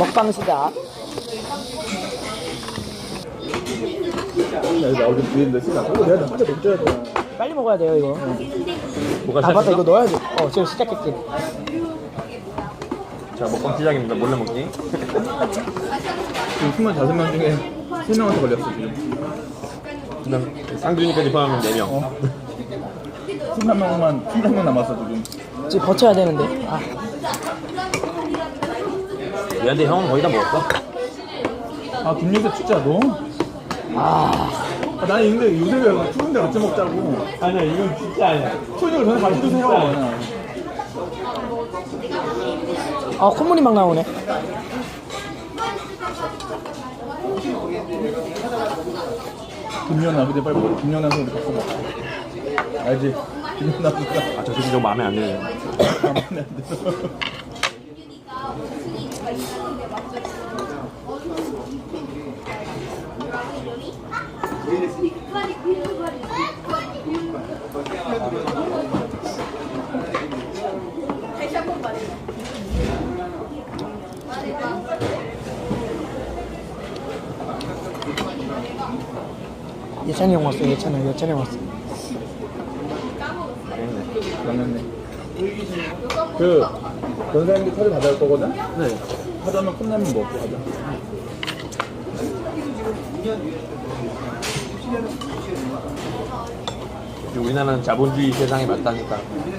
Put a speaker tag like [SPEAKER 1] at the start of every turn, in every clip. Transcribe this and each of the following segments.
[SPEAKER 1] 먹방 시작.
[SPEAKER 2] 여기 나오긴 뒤인데 씨나 그거 내가 혼자 먹줘야 돼.
[SPEAKER 1] 빨리 먹어야 돼요 이거.
[SPEAKER 3] 뭐가
[SPEAKER 1] 아 맞다
[SPEAKER 3] 시작했어?
[SPEAKER 1] 이거 넣어야지. 지금 시작했지.
[SPEAKER 3] 자, 먹방 시작입니다. 몰래 먹기.
[SPEAKER 2] 지금 25명 중에 3명한테 걸렸어 지금.
[SPEAKER 3] 그냥 쌍둥이까지 포함하면 4명.
[SPEAKER 2] 23명 남았어 지금.
[SPEAKER 1] 지금 버텨야 되는데. 아
[SPEAKER 3] 얘한테 형은 거의 다 먹었어.
[SPEAKER 2] 아 김윤세 진짜 너? 나는 근데 요새 왜 추운데 같이 먹자고.
[SPEAKER 3] 아니야, 이건 진짜 아니야.
[SPEAKER 2] 추우니까 저는 같이 드세요. 그냥.
[SPEAKER 1] 콧물이 막 나오네.
[SPEAKER 2] 김연아 근데 빨리 먹어. 김연아 선수 갔어 먹어. 알지? 김연아 선수가
[SPEAKER 3] 아, 저 새끼 좀 마음에 안 드네.
[SPEAKER 2] 마음에 안 들어.
[SPEAKER 1] 예찬이 형 왔어. 예찬이 형 왔어.
[SPEAKER 2] 맞네. 그 변사님들 카드 받아올 거거든?
[SPEAKER 3] 네.
[SPEAKER 2] 하자면 컵라면 먹고 가자.
[SPEAKER 3] 우리나라는 자본주의 세상에 맞다니까.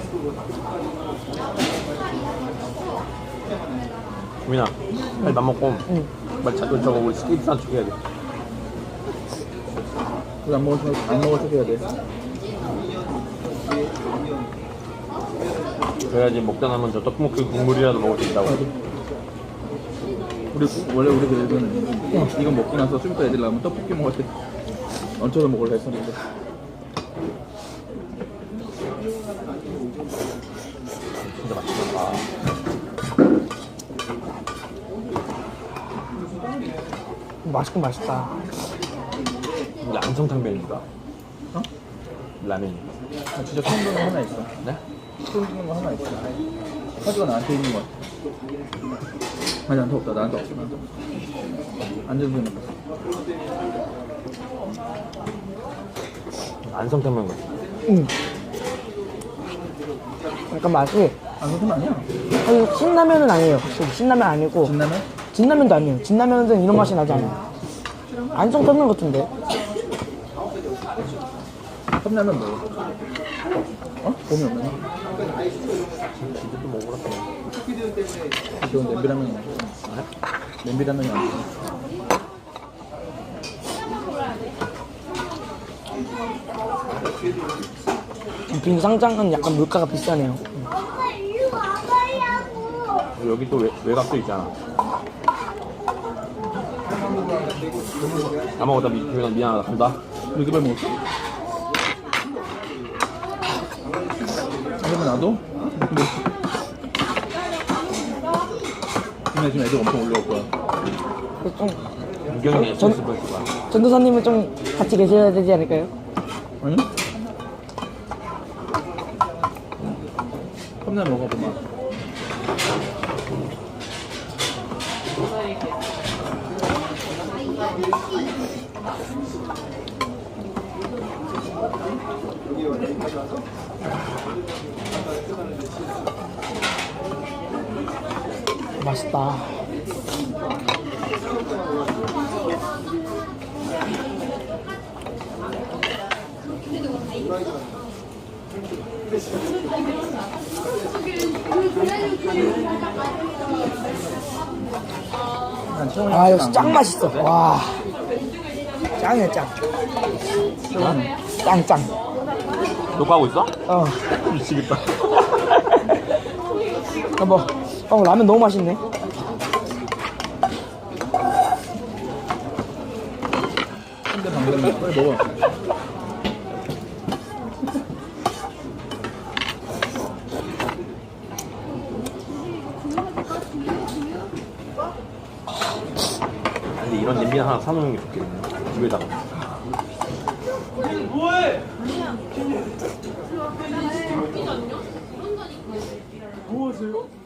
[SPEAKER 3] 우민아, 빨리 밥 먹고.
[SPEAKER 1] 응.
[SPEAKER 3] 빨리 저거 우리 스케이트 산축 해야 돼.
[SPEAKER 2] 그거 안 먹을 척 해야 돼.
[SPEAKER 3] 그래야지 먹다 남은 저 떡볶이 국물이라도 먹을 수 있다고.
[SPEAKER 2] 원래 우리 계획은 이거 먹고 나서 좀 이따 애들 나오면 떡볶이 먹을 때 얹혀서 먹으려 했었는데.
[SPEAKER 3] 진짜 맛있겠다.
[SPEAKER 1] 맛있긴 맛있다.
[SPEAKER 3] 이게 안성탕면인가?
[SPEAKER 2] 어?
[SPEAKER 3] 라면이.
[SPEAKER 2] 아, 진짜 처음 듣는 거 하나 있어.
[SPEAKER 3] 네?
[SPEAKER 2] 처음 듣는 거 하나 있어. 카드가 나한테 있는 거 같아. 아니 나한테 없다. 나한테 없어. 안전수는 있어.
[SPEAKER 3] 안성탕면 같아.
[SPEAKER 1] 응. 약간 맛이
[SPEAKER 2] 안전수는 아니야.
[SPEAKER 1] 아니, 신라면은 아니에요. 확실히 신라면 아니고
[SPEAKER 2] 진라면?
[SPEAKER 1] 진라면도 아니에요. 진라면은 이런 맛이 나지 않아요. 안성 떴는 것 같은데.
[SPEAKER 2] 컵라면 먹어. 어? 봄이 없나?
[SPEAKER 3] 이것도 먹으라.
[SPEAKER 2] 이건 냄비라면이 아니야. 냄비라면이 아니야.
[SPEAKER 1] 빙상장은 약간 물가가 비싸네요.
[SPEAKER 3] 여기 또 외곽도 있잖아. 다 먹었다. 미안하다. 간다.
[SPEAKER 2] 이렇게 빨리 먹었어? 그러면 나도? 근데 지금 애들 엄청 올라올 거야.
[SPEAKER 1] 좀
[SPEAKER 3] 유경이 SS 볼 거야.
[SPEAKER 1] 전도사님은 좀 같이 계셔야 되지 않을까요?
[SPEAKER 2] 아니? 컵라면 먹어보마.
[SPEAKER 1] 맛있다. 역시 짱 맛있어. 와, 짱이야 짱. 짱.
[SPEAKER 3] 녹화하고 있어?
[SPEAKER 1] 미치겠다. 라면 너무 맛있네.
[SPEAKER 2] 근데 방금 빨리 먹어.
[SPEAKER 3] 근데 이런 냄비 하나 사놓는 게 좋겠네. 집에다가. 뭐해? 뭐 하세요?